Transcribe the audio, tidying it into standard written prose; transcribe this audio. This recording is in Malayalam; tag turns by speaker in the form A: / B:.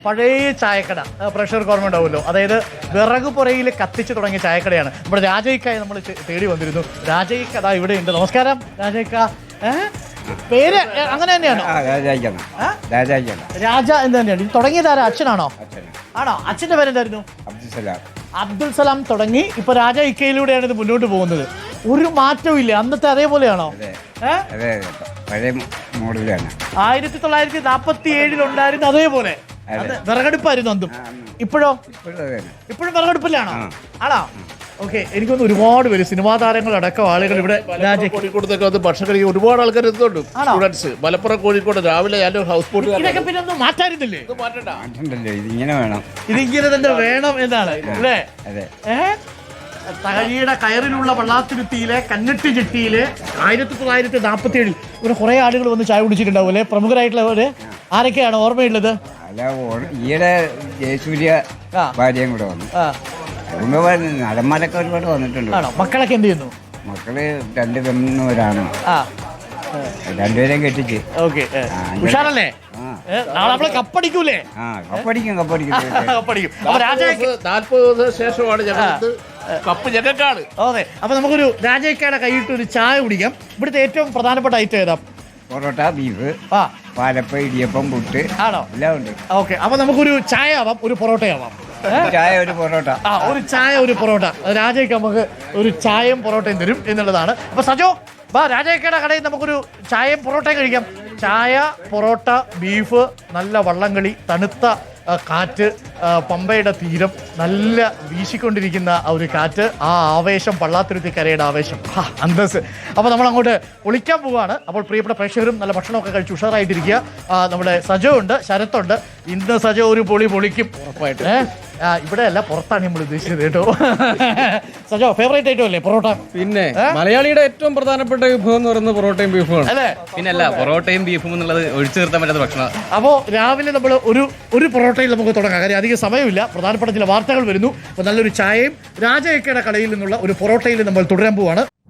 A: പഴയ ചായക്കട പ്രഷർ ഓർമ്മ ഉണ്ടാവുമല്ലോ, അതായത് വിറക് പുറയിൽ കത്തിച്ചു തുടങ്ങിയ ചായക്കടയാണ്. നമ്മുടെ രാജയ്ക്കായി നമ്മൾ തേടി വന്നിരുന്നു. രാജയ്ക്ക അതാ ഇവിടെ ഉണ്ട്. നമസ്കാരം രാജയ്ക്ക. പേര് അങ്ങനെ തന്നെയാണോ? രാജ എന്ന് തന്നെയാണ്. ഇത് തുടങ്ങിയതാരാ? അച്ഛനാണോ? ആണോ? അച്ഛന്റെ പേരെന്തായിരുന്നു? അബ്ദുൽ സലാം തുടങ്ങി. ഇപ്പൊ രാജ ഇക്കയിലൂടെയാണ് ഇത് മുന്നോട്ട് പോകുന്നത്. ഒരു മാറ്റവും ഇല്ല, അന്നത്തെ അതേപോലെയാണോ? 1947 ഉണ്ടായിരുന്നു അതേപോലെ വിറകടുപ്പായിരുന്നു അന്നും. ഇപ്പോഴും വിറകടുപ്പിലാണോ? ആണോ? ഓക്കെ. എനിക്കൊന്ന് ഒരുപാട് പേര് സിനിമാ താരങ്ങൾ അടക്കം ആളുകൾ ഇവിടെ
B: കോഴിക്കോടത്തൊക്കെ വന്ന് ഭക്ഷണം കഴിക്കാൻ ഒരുപാട് ആൾക്കാർ എത്തുന്നുണ്ട്. സ്റ്റുഡൻസ് മലപ്പുറം കോഴിക്കോട് രാവിലെ ഞാനൊരു ഹൗസ് ബോട്ട്
A: ഇതൊക്കെ പിന്നെ ഒന്നും മാറ്റാറില്ലേ?
C: ഇതിങ്ങനെ വേണം,
A: ഇതിങ്ങനെ തന്നെ വേണം എന്നാണ് അല്ലേ? തകഴിയുടെ കയറിലുള്ള വള്ളാത്തുരുത്തിയിലെ കഞ്ഞിട്ട് ചിട്ടിയില് 1947 ഇവിടെ കുറെ ആളുകൾ വന്ന് ചായ കുടിച്ചിട്ടുണ്ടാവും അല്ലെ? പ്രമുഖരായിട്ടുള്ളവര് ആരൊക്കെയാണ് ഓർമ്മയുള്ളത്?
C: ഈയിടെ ജയസൂര്യ ഭാര്യയും കൂടെ വന്നു. നടന്മാരൊക്കെ ഒരുപാട് വന്നിട്ടുണ്ട്.
A: മക്കളൊക്കെ എന്ത് ചെയ്യുന്നു?
C: മക്കള് 2 പെണ്ണൂരാണ്, രണ്ടുപേരെയും കെട്ടിച്ച്.
A: ഓക്കെ, ഉഷാറല്ലേ? നാളെ നമ്മള് കപ്പടിക്കൂലേ?
C: കപ്പടിക്കും.
B: 40 ശേഷമാണ് കപ്പ് ഞങ്ങൾക്കാണ്.
A: ഓക്കെ. അപ്പൊ നമുക്കൊരു രാജയ്ക്കയുടെ കൈയിട്ട് ഒരു ചായ കുടിക്കാം. ഇവിടുത്തെ ഏറ്റവും പ്രധാനപ്പെട്ട ഐറ്റം ഏതാ?
C: പൊറോട്ട, ബീഫ്, പാലപ്പ, ഇടിയപ്പം, പുട്ട്
A: ആണോ?
C: എല്ലാം ഉണ്ട്.
A: ഓക്കെ. അപ്പൊ നമുക്കൊരു ചായ ആവാം, ഒരു പൊറോട്ട ആവാം.
C: ചായ, ഒരു പൊറോട്ട.
A: ഒരു ചായ, ഒരു പൊറോട്ട. രാജയ്ക്ക് നമുക്ക് ഒരു ചായയും പൊറോട്ടയും തരും എന്നുള്ളതാണ്. അപ്പൊ സജോ വാ, രാജയ്ക്കയുടെ കടയിൽ നമുക്കൊരു ചായയും പൊറോട്ടയും കഴിക്കാം. ചായ, പൊറോട്ട, ബീഫ്, നല്ല വള്ളംകളി, തണുത്ത കാറ്റ്, പമ്പയുടെ തീരം, നല്ല വീശിക്കൊണ്ടിരിക്കുന്ന ആ ഒരു കാറ്റ്, ആ ആവേശം, പള്ളാത്തുരുത്തിക്കരയുടെ ആവേശം, അന്തസ്. അപ്പോൾ നമ്മൾ അങ്ങോട്ട് പൊളിക്കാൻ പോവുകയാണ്. അപ്പോൾ പ്രിയപ്പെട്ട പ്രേക്ഷകരും നല്ല ഭക്ഷണമൊക്കെ കഴിച്ച് ഉഷാറായിട്ടിരിക്കുക. നമ്മുടെ സജോ ഉണ്ട്, ശരത്തുണ്ട്. ഇന്ന് സജോ ഒരു പൊളിക്കും ഉറപ്പായിട്ട്. ഇവിടെ അല്ല, പുറത്താണ് നമ്മൾ ഉദ്ദേശിച്ചത് കേട്ടോ. സജോ ഫേവറേറ്റ് ഐറ്റം അല്ലേ പൊറോട്ട?
D: പിന്നെ മലയാളിയുടെ ഏറ്റവും പ്രധാനപ്പെട്ട വിഭവം എന്ന് പറയുന്നത് പൊറോട്ടയും ബീഫുമാണ് അല്ലേ?
E: പിന്നല്ല, പൊറോട്ടയും ബീഫും എന്നുള്ളത് ഒഴിച്ചു നിർത്താൻ പറ്റാത്ത ഭക്ഷണം.
A: അപ്പോൾ രാവിലെ നമ്മൾ ഒരു പൊറോട്ടയിൽ നമുക്ക് തുടങ്ങാം. കാര്യം അധികം സമയമില്ല, പ്രധാനപ്പെട്ട ചില വാർത്തകൾ വരുന്നു. അപ്പോൾ നല്ലൊരു ചായയും രാജയ്ക്കയുടെ കടയിൽ നിന്നുള്ള ഒരു പൊറോട്ടയിൽ നമ്മൾ തുടരാൻ പോവാണ്.